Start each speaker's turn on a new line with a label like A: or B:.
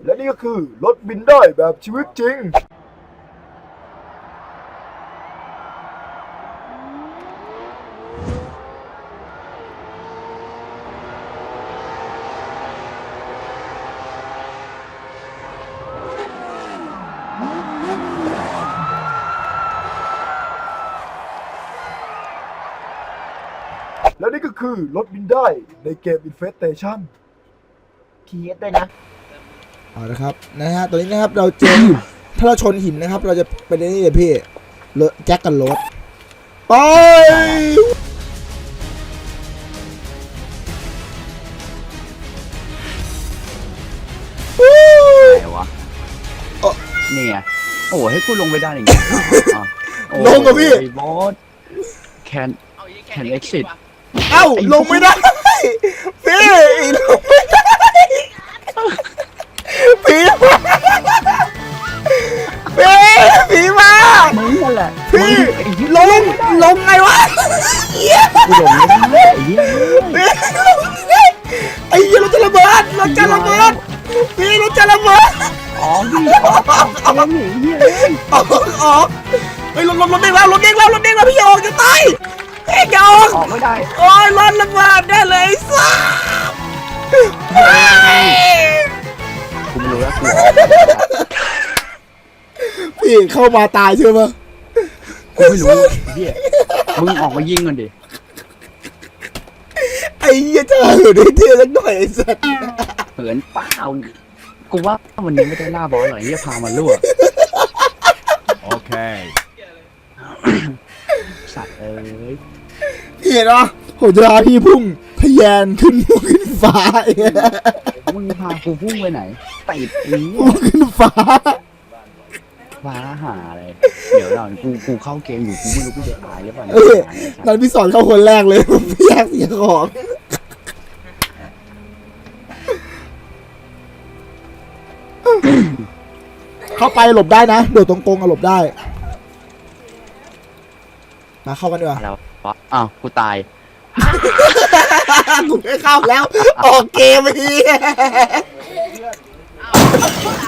A: และนี่ก็คือรถบินได้แบบชีวิตจริงและนี่ก็คือรถบินได้ในเกม Infestation
B: ทีเอสด้วยนะ
C: เอาละครับนะฮะตอนนี้นะครับเราเจอ ถ้าเราชนหินนะครับ เราจะเป็นนี่เลยพี่เลอะแจ็คกันรถไป
D: ไหนวะนี่ไงโอ้ให้กูลงไปได้อย่างเงี้ย
C: ลงกับพี่
D: บอสแคนเอ็กซิส
C: เอ้าลงไม่ได้พี่ลงไม่ได้ผีมาผีมา
D: มึงนั่นแหละ
C: พี่ลงไงวะ
D: กูลงไม่ได้ไอ้เหี้ย
C: ไอ้เหี้ยรถจะระเบิดพี่รถจะระเบิด
D: อ๋อพี่ออกเหี้ย
C: ออกเฮ้ยรถเด้งแล้วพี่อย่าออกจะตายเฮ้ยอย่าออก
D: ออกไม่ได้
C: โอ้ยรถระเบิดได้เลยซ่า
D: กูไม่รู้แล้วกู
C: พี่เข้ามาตายใช่ไหม
D: กูไม่รู้เหี้ยมึงออกมายิงกันดิ
C: ไอ้เหี้ยจะเหินได้เท่สักหน่อยไอ้สัส
D: เหินเปล่ากูว่าวันนี้ไม่ได้ล่าบอสหรอกเหี้ยพามาลวก
A: โอเค
D: สัตว์เอ้ย
C: เห็นเหรอผมจะพาพี่พุ่งทะแยานขึ้นฟ้า
D: มึงพากูพุ่งไปไหนติดอี
C: พุ่งขึ้นฟ้า
D: ฟ้าหาอะไรเดี๋ยวเรากูเข้าเกมอยู่กูไม่รู้กูจะตายหรือเปล่า
C: นั้นพี่สอนเข้าคนแรกเลยพี่แยกเสียของเข้าไปหลบได้นะโดดตรงกงหลบได้มาเข้ากันดีกว่า
D: แล้วอ้าวกูตาย
C: กูไม่เข้าแล้วออกเกมไปที